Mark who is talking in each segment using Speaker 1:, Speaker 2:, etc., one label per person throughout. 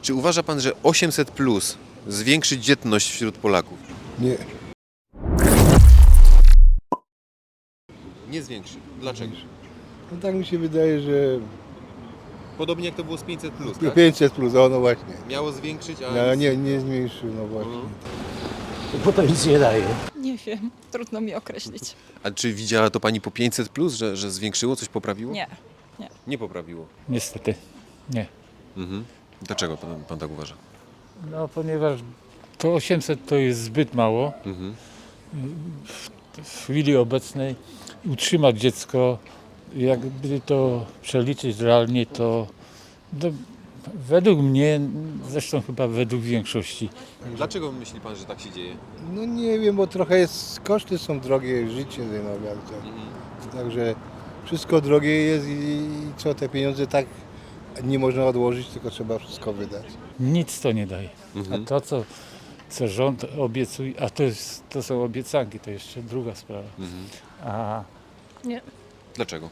Speaker 1: Czy uważa pan, że 800 plus zwiększy dzietność wśród Polaków?
Speaker 2: Nie.
Speaker 1: Nie zwiększy. Dlaczego?
Speaker 2: No tak mi się wydaje, że
Speaker 1: Podobnie jak to było z 500 plus, tak?
Speaker 2: 500 plus, no właśnie.
Speaker 1: Miało zwiększyć, a
Speaker 2: No, nie zmniejszył, no właśnie.
Speaker 3: Bo to nic nie daje.
Speaker 4: Nie wiem, trudno mi określić.
Speaker 1: A czy widziała to pani po 500 plus, że zwiększyło, coś poprawiło?
Speaker 4: Nie.
Speaker 1: Nie poprawiło.
Speaker 3: Niestety nie.
Speaker 1: Dlaczego pan tak uważa?
Speaker 3: No ponieważ to 800 to jest zbyt mało. W chwili obecnej utrzymać dziecko, jakby to przeliczyć realnie, to według mnie, zresztą chyba według większości,
Speaker 1: Dlaczego myśli pan, że tak się dzieje?
Speaker 2: No nie wiem, bo trochę jest, koszty są drogie, życie, no bardzo. Także wszystko drogie jest i co, te pieniądze tak nie można odłożyć, tylko trzeba wszystko wydać.
Speaker 3: nic to nie daje. A to, co rząd obiecuje, a to są obiecanki, to jeszcze druga sprawa. A
Speaker 4: Nie.
Speaker 1: Dlaczego?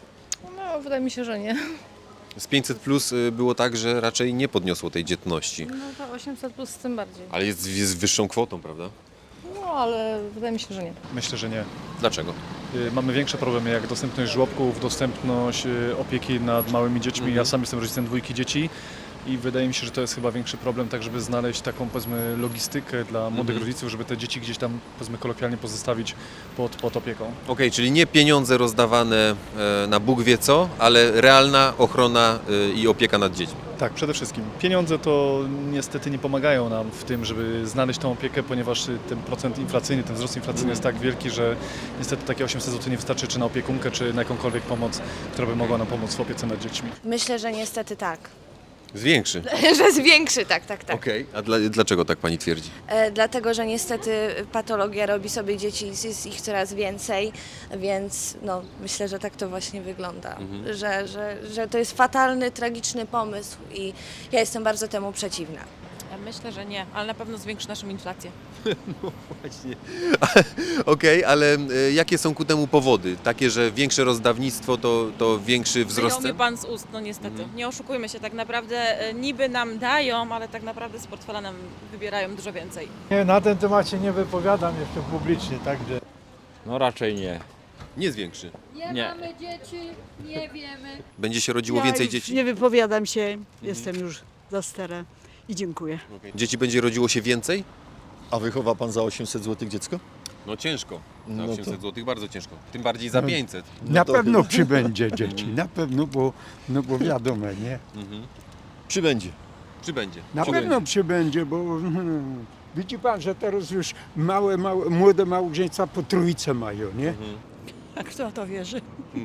Speaker 4: No, wydaje mi się, że nie.
Speaker 1: Z 500 plus było tak, że raczej nie podniosło tej dzietności.
Speaker 4: No to 800 plus tym bardziej.
Speaker 1: Ale jest wyższą kwotą, prawda?
Speaker 4: No, ale wydaje mi się, że nie.
Speaker 5: Myślę, że nie.
Speaker 1: Dlaczego?
Speaker 5: Mamy większe problemy jak dostępność żłobków, dostępność opieki nad małymi dziećmi. Ja sam jestem rodzicem 2 dzieci i wydaje mi się, że to jest chyba większy problem, tak żeby znaleźć taką, powiedzmy, logistykę dla młodych rodziców, żeby te dzieci gdzieś tam, powiedzmy, kolokwialnie pozostawić pod opieką.
Speaker 1: Okej, czyli nie pieniądze rozdawane na Bóg wie co, ale realna ochrona i opieka nad dziećmi.
Speaker 5: Tak, przede wszystkim. Pieniądze to niestety nie pomagają nam w tym, żeby znaleźć tą opiekę, ponieważ ten procent inflacyjny, ten wzrost inflacyjny jest tak wielki, że niestety takie 800 zł nie wystarczy czy na opiekunkę, czy na jakąkolwiek pomoc, która by mogła nam pomóc w opiece nad dziećmi.
Speaker 6: Myślę, że niestety tak.
Speaker 1: Zwiększy.
Speaker 6: Że zwiększy, tak.
Speaker 1: Okej, a dlaczego tak pani twierdzi?
Speaker 6: Dlatego, że niestety patologia robi sobie dzieci, jest ich coraz więcej, więc no, myślę, że tak to właśnie wygląda. Że to jest fatalny, tragiczny pomysł i ja jestem bardzo temu przeciwna.
Speaker 7: Myślę, że nie, ale na pewno zwiększy naszą inflację.
Speaker 1: Właśnie. Okej, ale jakie są ku temu powody? Takie, że większe rozdawnictwo to większy wzrost
Speaker 7: Wyjął mnie
Speaker 1: cen?
Speaker 7: pan z ust, no niestety. Nie oszukujmy się, tak naprawdę niby nam dają, ale tak naprawdę z portfela nam wybierają dużo więcej.
Speaker 8: Nie, na ten temat się nie wypowiadam jeszcze publicznie, także.
Speaker 9: No raczej nie.
Speaker 1: Nie zwiększy.
Speaker 9: Nie.
Speaker 10: Mamy dzieci, nie wiemy.
Speaker 1: Będzie się rodziło więcej dzieci?
Speaker 10: Nie wypowiadam się, jestem już za stara i dziękuję.
Speaker 1: Dzieci będzie rodziło się więcej?
Speaker 11: A wychowa pan za 800 zł dziecko?
Speaker 1: No ciężko. Za
Speaker 11: No to-
Speaker 1: 800 zł bardzo ciężko. Tym bardziej za 500.
Speaker 8: Na
Speaker 11: to
Speaker 8: pewno
Speaker 11: chyba-
Speaker 8: przybędzie dzieci, na pewno, bo wiadomo, nie?
Speaker 11: Przybędzie.
Speaker 1: Czy będzie?
Speaker 8: Na pewno przybędzie, bo widzi pan, że teraz już młode małżeństwa po trójce mają, nie?
Speaker 10: A kto to wierzy?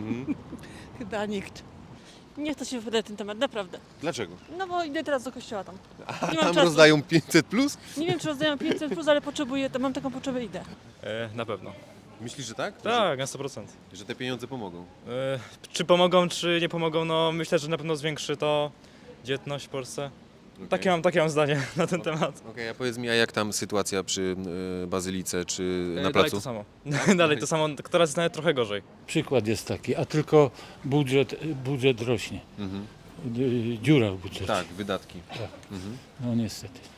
Speaker 10: Chyba nikt.
Speaker 7: Nie chcę się wypowiadać na ten temat, naprawdę.
Speaker 1: Dlaczego?
Speaker 7: No bo idę teraz do kościoła tam.
Speaker 1: A
Speaker 7: Nie mam
Speaker 1: tam
Speaker 7: czasu.
Speaker 1: rozdają 500 plus?
Speaker 7: Nie wiem, czy rozdają 500+, ale potrzebuję, to mam taką potrzebę, idę.
Speaker 5: Na pewno.
Speaker 1: Myślisz, że tak?
Speaker 5: Tak, na 100%.
Speaker 1: Że te pieniądze pomogą?
Speaker 5: Czy pomogą, czy nie pomogą? No myślę, że na pewno zwiększy to dzietność w Polsce. Takie mam zdanie na ten temat.
Speaker 1: Okej, a powiedz mi, a jak tam sytuacja przy Bazylice czy na
Speaker 5: Dalej
Speaker 1: placu?
Speaker 5: to samo. Dalej to samo, teraz jest nawet trochę gorzej.
Speaker 3: przykład jest taki, a tylko budżet rośnie. Dziura w budżecie.
Speaker 1: Tak, wydatki.
Speaker 3: No niestety.